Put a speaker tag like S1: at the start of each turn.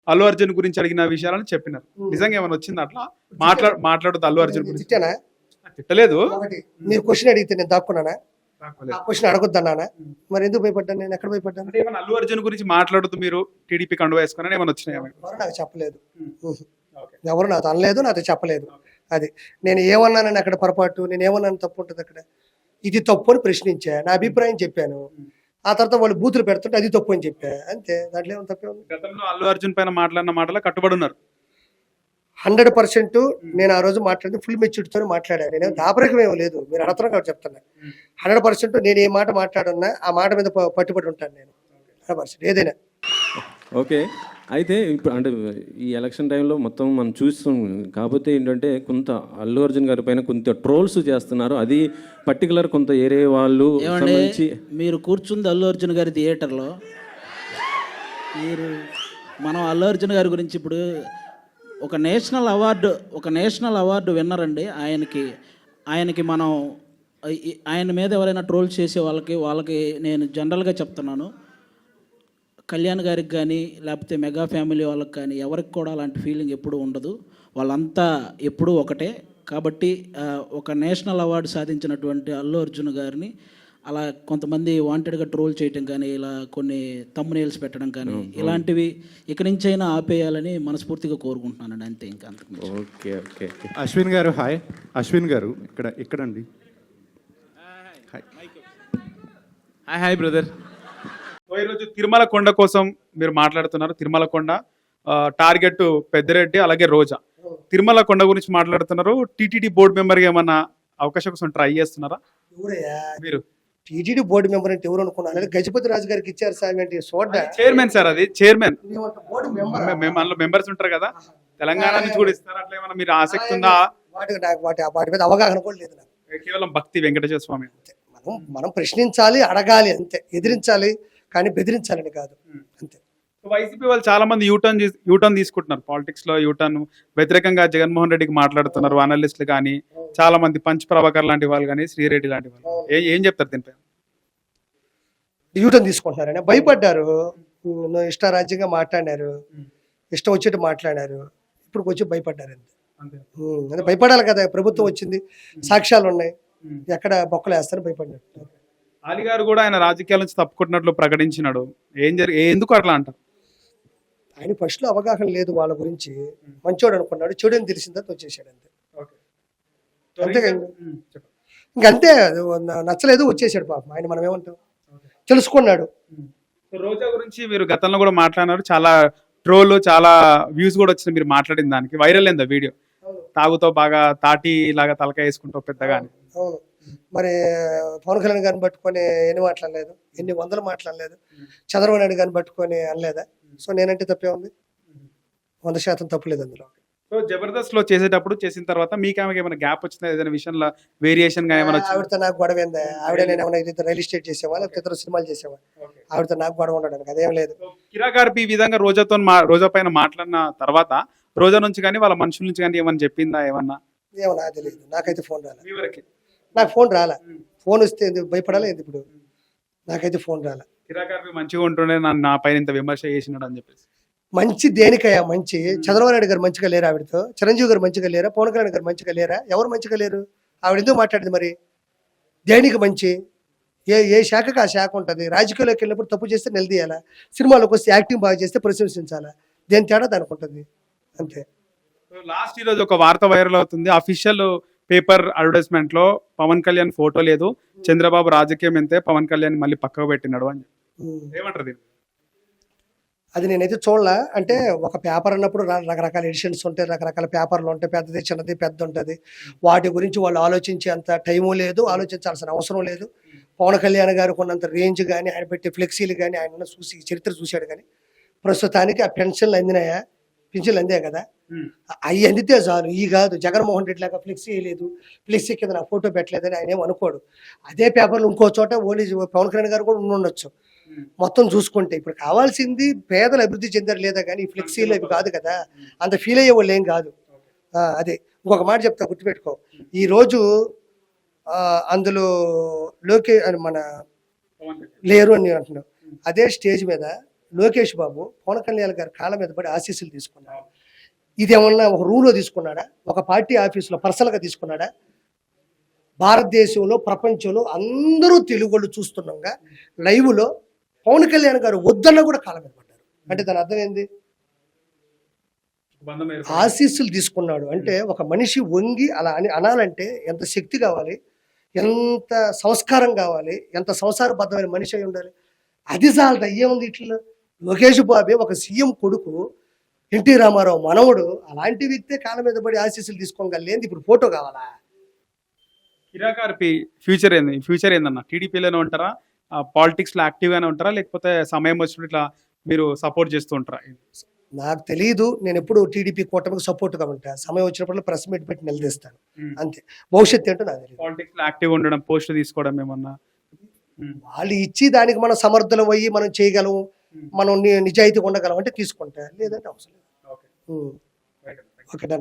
S1: అల్లు అర్జున్ గురించి అడిగిన విషయాలను చెప్పినారు. నిజంగా ఏమైనా వచ్చింది అట్లా మాట్లాడుతూ అల్లు అర్జున్ గురించి?
S2: తిట్టానా?
S1: తిట్టలేదు.
S2: మీరు క్వశ్చన్ అడిగితే నేను దాక్కున్నానా?
S1: కాకపోలేదు.
S2: ఆ క్వశ్చన్ అడగొద్దన్నానా? మరి ఎందుకు భయపడ్డాను? నేను ఎక్కడ భయపడ్డాను?
S1: అంటే ఏమైనా అల్లు అర్జున్ గురించి మాట్లాడుతూ మీరు టీడీపీ కండువా వేసుకుని ఏమైనా వచ్చినాయి?
S2: ఎవరు నాకు చెప్పలేదు, ఎవరు నాతో అనలేదు, నాతో చెప్పలేదు. అది నేను ఏమన్నానని అక్కడ పొరపాటు, నేను ఏమన్నాను తప్పు ఉంటుంది అక్కడ? ఇది తప్పు అని ప్రశ్నించా, నా అభిప్రాయం చెప్పాను. ఆ తర్వాత వాళ్ళు బూతులు పెడుతుంటే అది తప్పు అని చెప్పా, అంతే. దాంట్లో ఏమైనా తప్పే ఉంది?
S1: గతంలో అల్లు అర్జున్ పైన మాట్లాడిన మాటలు కట్టుబడి ఉన్నారు.
S2: 100% నేను ఆ రోజు మాట్లాడింది ఫుల్ మెచ్యూరిటీతో మాట్లాడాను. నేను దాపరికం ఏమో లేదు, మీరు అడగడం కాబట్టి చెప్తున్నా. 100% నేను ఏ మాట మాట్లాడున్నా ఆ మాట మీద పట్టుబడి ఉంటాను నేను. 100% ఏదైనా.
S3: ఓకే. అయితే ఇప్పుడు అంటే ఈ ఎలక్షన్ టైంలో మొత్తం మనం చూస్తాం. కాకపోతే ఏంటంటే కొంత అల్లు అర్జున్ గారి పైన కొంత ట్రోల్స్ చేస్తున్నారు. అది పర్టికులర్ కొంత ఏరే వాళ్ళు సంబంధించి.
S4: మీరు కూర్చుంది అల్లు అర్జున్ గారి థియేటర్లో. మనం అల్లు అర్జున్ గారి గురించి ఇప్పుడు ఒక నేషనల్ అవార్డు విన్నర్ అండి. ఆయనకి మనం ఆయన మీద ఎవరైనా ట్రోల్ చేసే వాళ్ళకి నేను జనరల్గా చెప్తున్నాను, కళ్యాణ్ గారికి కానీ లేకపోతే మెగా ఫ్యామిలీ వాళ్ళకి కానీ ఎవరికి కూడా అలాంటి ఫీలింగ్ ఎప్పుడూ ఉండదు. వాళ్ళంతా ఎప్పుడూ ఒకటే. కాబట్టి ఒక నేషనల్ అవార్డు సాధించినటువంటి అల్లు అర్జున్ గారిని అలా కొంతమంది వాంటెడ్గా ట్రోల్ చేయటం కానీ, ఇలా కొన్ని తమ్మునేల్స్ పెట్టడం కానీ, ఇలాంటివి ఇక నుంచైనా ఆపేయాలని మనస్ఫూర్తిగా కోరుకుంటున్నానండి, అంతే. ఇంకా అంతకు.
S3: Okay okay.
S5: అశ్విన్ గారు హాయ్. అశ్విన్ గారు ఇక్కడండి.
S6: Hi brother.
S1: ఈరోజు తిరుమల కొండ కోసం మీరు మాట్లాడుతున్నారు. తిరుమల కొండ టార్గెట్ పెద్దిరెడ్డి అలాగే రోజా. తిరుమల కొండ గురించి మాట్లాడుతున్నారు. టీటీడీ బోర్డు మెంబర్గా ఏమన్నా అవకాశం కోసం ట్రై చేస్తున్నారా మీరు?
S2: టీటీడీ బోర్డు మెంబర్ అంటే ఎవరు అనుకున్నారు? గజపతి రాజు గారికి ఇచ్చారు సార్ అంటే చూడ్డా.
S1: చైర్మన్ సార్, అది చైర్మన్.
S2: బోర్డు
S1: మెంబర్స్ ఉంటారు కదా, తెలంగాణ నుంచి కూడా ఇస్తారు. అట్లా ఏమన్నా మీరు ఆసక్తి ఉందా?
S2: వాటి మీద అవగాహన కూడా లేదు నాకు.
S1: కేవలం భక్తి వెంకటేశ్వర స్వామి.
S2: మనం ప్రశ్నించాలి, అడగాలి, అంతే. ఎదిరించాలి కానీ బెదిరించాలని కాదు, అంతే.
S1: వైసీపీ వాళ్ళు చాలా మంది యూటర్న్ తీసుకుంటున్నారు పాలిటిక్స్ లో. యూటర్న్ వ్యతిరేకంగా జగన్మోహన్ రెడ్డికి మాట్లాడుతున్నారు అనలిస్టులు కానీ, చాలా మంది పంచ్ ప్రభాకర్ లాంటి వాళ్ళు కానీ, శ్రీరెడ్డి లాంటి వాళ్ళు. ఏం చెప్తారు దీనిపై?
S2: యూటర్న్ తీసుకుంటున్నారని భయపడ్డారు, ఇష్టారాజ్యంగా మాట్లాడారు, ఇష్టం వచ్చేట్టు మాట్లాడారు. ఇప్పుడు వచ్చి భయపడ్డారు, అంతే. భయపడాలి కదా, ప్రభుత్వం వచ్చింది, సాక్ష్యాలు ఉన్నాయి, ఎక్కడ బొక్కలు వేస్తారని భయపడ్డారు.
S1: అలీ గారు కూడా ఆయన రాజకీయాల నుంచి తప్పుకుంటున్నట్లు ప్రకటించినాడు. ఎందుకు అట్లా అంటారు?
S2: ఆయన ఫస్ట్ లో అవగాహన లేదు వాళ్ళ గురించి. మంచోడు అనుకున్నాడు, చెడు అని తెలిసిన తర్వాత వచ్చేసాడు, అంతే. ఇంకంతే, నచ్చలేదు వచ్చేసాడు పాపం. ఆయన మనం ఏమంటాం, తెలుసుకున్నాడు.
S1: రోజా గురించి మీరు గతంలో కూడా మాట్లాడినారు. చాలా ట్రోల్, చాలా వ్యూస్ కూడా వచ్చినాయి మీరు మాట్లాడిన దానికి. వైరల్ అయిందా వీడియో? తాగుతో బాగా తాటి లాగా తలకాయ వేసుకుంటావు పెద్దగా.
S2: అవును. మరి పవన్ కళ్యాణ్ గారిని పట్టుకొని ఎన్ని మాట్లాడలేదు, ఎన్ని వందలు మాట్లాడలేదు. చంద్రబాబు నాయుడు గారిని పట్టుకొని అనలేదా? సో నేనంటే తప్పే ఉంది, 100% తప్పులేదు అందులో.
S1: సో జబర్దస్త్ లో చేసేటప్పుడు చేసిన తర్వాత మీకు ఏమైనా గ్యాప్ వచ్చిందా? ఏదైనా విషయంలో వేరియేషన్ గా ఏమైనా?
S2: ఆవిడతో నాకు గొడవ ఏందా? ఆవిడ నేను ఏమైనా రియల్ ఎస్టేట్ చేసేవా, లేకపోతే ఇతర సినిమాలు చేసేవా? ఆవిడతో నాకు గొడవ ఉండడానికి అదేం లేదు.
S1: కిరా గారు ఈ విధంగా రోజా పైన మాట్లాడిన తర్వాత రోజా నుంచి కానీ వాళ్ళ మనుషుల నుంచి కానీ ఏమన్నా చెప్పిందా? ఏమన్నా
S2: తెలియదు, నాకైతే ఫోన్ రాలే. నాకు ఫోన్ రాలా. ఫోన్ వస్తే భయపడాలి ఏంది ఇప్పుడు? నాకైతే ఫోన్ రాలా.
S1: కిరా గారు మంచిగా ఉంటుండే నా పైన ఇంత విమర్శ చేసినాడు అని చెప్పేసి.
S2: మంచి దేనికయ్యా మంచి? చంద్రబాబు నాయుడు గారు మంచిగా లేరా ఆవిడతో? చిరంజీవి గారు మంచిగా లేరా? పవన్ కళ్యాణ్ గారు మంచిగా లేరా? ఎవరు మంచిగా లేరు? ఆవిడ ఎందుకు మాట్లాడింది మరి? దేనికి మంచి? ఏ శాఖకు ఆ శాఖ ఉంటుంది. రాజకీయాల్లోకి వెళ్ళినప్పుడు తప్పు చేస్తే నిలదీయాలా, సినిమాలోకి వస్తే యాక్టింగ్ బాగా చేస్తే ప్రశంసించాలా. దేని తేడా దానికి ఉంటుంది, అంతే.
S1: లాస్ట్ ఈ రోజు ఒక వార్త వైరల్ అవుతుంది. అఫీషియల్ పేపర్ అడ్వర్టైజ్మెంట్ లో పవన్ కళ్యాణ్ ఫోటో లేదు, చంద్రబాబు రాజకీయం ఎంతే, పవన్ కళ్యాణ్ మళ్ళీ పక్కకు పెట్టినాడు అని. ఏమంటారు?
S2: అది నేనైతే చూడలా. అంటే ఒక పేపర్ అన్నప్పుడు రకరకాల ఎడిషన్స్ ఉంటాయి, రకరకాల పేపర్లు ఉంటాయి, పెద్దది చిన్నది పెద్ద ఉంటుంది. వాటి గురించి వాళ్ళు ఆలోచించే అంత టైము లేదు, ఆలోచించాల్సిన అవసరం లేదు. పవన్ కళ్యాణ్ గారు కొన్నంత రేంజ్ కానీ, ఆయన పెట్టే ఫ్లెక్సీలు కానీ, ఆయన చూసి చరిత్ర చూశాడు. కానీ ప్రస్తుతానికి ఆ పెన్షన్లు అందినాయా? పింఛన్లు అందాయి కదా, అవి అందితే చాలు. ఈ కాదు జగన్మోహన్ రెడ్డి లాగా ఫ్లెక్సీ వేయలేదు, ఫ్లెక్సీ కింద నా ఫోటో పెట్టలేదని ఆయన ఏం అనుకోడు. అదే పేపర్లు ఇంకో చోట ఓన్లీ పవన్ కళ్యాణ్ గారు కూడా ఉండొచ్చు. మొత్తం చూసుకుంటే ఇప్పుడు కావాల్సింది పేదలు అభివృద్ధి చెందారు లేదా, కానీ ఈ ఫ్లెక్సీలు అవి కాదు కదా, అంత ఫీల్ అయ్యే వాళ్ళు ఏం కాదు. అదే ఇంకొక మాట చెప్తా, గుర్తుపెట్టుకో. ఈరోజు అందులో మన లేరు అని అంటున్నావు. అదే స్టేజ్ మీద లోకేష్ బాబు పవన్ కళ్యాణ్ గారి కాళ్ళ మీద పడి ఆశీస్సులు తీసుకున్నాడు. ఇదేమన్నా ఒక రూల్లో తీసుకున్నాడా, ఒక పార్టీ ఆఫీసులో పర్సనల్గా తీసుకున్నాడా? భారతదేశంలో ప్రపంచంలో అందరూ తెలుగు వాళ్ళు చూస్తున్నాగా లైవ్లో పవన్ కళ్యాణ్ గారు వద్దన్నా కూడా కాళ్ళ మీద పడ్డారు. అంటే దాని అర్థం ఏంది?
S1: బంధం ఏర్పడింది.
S2: ఆశీస్సులు తీసుకున్నాడు అంటే ఒక మనిషి వంగి అలా అని అనాలంటే ఎంత శక్తి కావాలి, ఎంత సంస్కారం కావాలి, ఎంత సంసారబద్ధమైన మనిషి అయి ఉండాలి. అది చాలదు, అయ్యేముంది ఇట్లా. లోకేష్ బాబే ఒక సీఎం కొడుకు, ఎన్టీ రామారావు మనవడు, అలాంటి వ్యక్తే కాళ్ళ మీద పడి ఆశీస్సులు తీసుకోగలేంది. ఇప్పుడు ఫోటో కావాలా?
S1: కిరాకార్పి ఫ్యూచర్ ఏందన్న? టీడీపీలోనే ఉంటారా, పాలిటిక్స్ లో యాక్టివ్ గానే ఉంటారా, లేకపోతే సమయం వచ్చినప్పుడు ఇట్లా మీరు సపోర్ట్ చేస్తూ ఉంటారా?
S2: నాకు తెలియదు. నేను ఎప్పుడు టీడీపీ కూటమికి సపోర్ట్గా ఉంటా. సమయం వచ్చినప్పుడు ప్రెస్ మీట్ పెట్టి నిలదీస్తాను అంతే. భవిష్యత్తు ఏంటో నాకు తెలియదు.
S1: పాలిటిక్స్ లో యాక్టివ్ ఉండడం, పోస్టులు తీసుకోవడం ఏమన్నా?
S2: వాళ్ళు ఇచ్చి దానికి మనం సమర్థులం అయ్యి మనం చేయగలం, మనం నిజాయితీగా ఉండగలం అంటే తీసుకుంటా, లేదంటే అవసరం లేదు.
S1: ఓకే.
S2: Okay, done.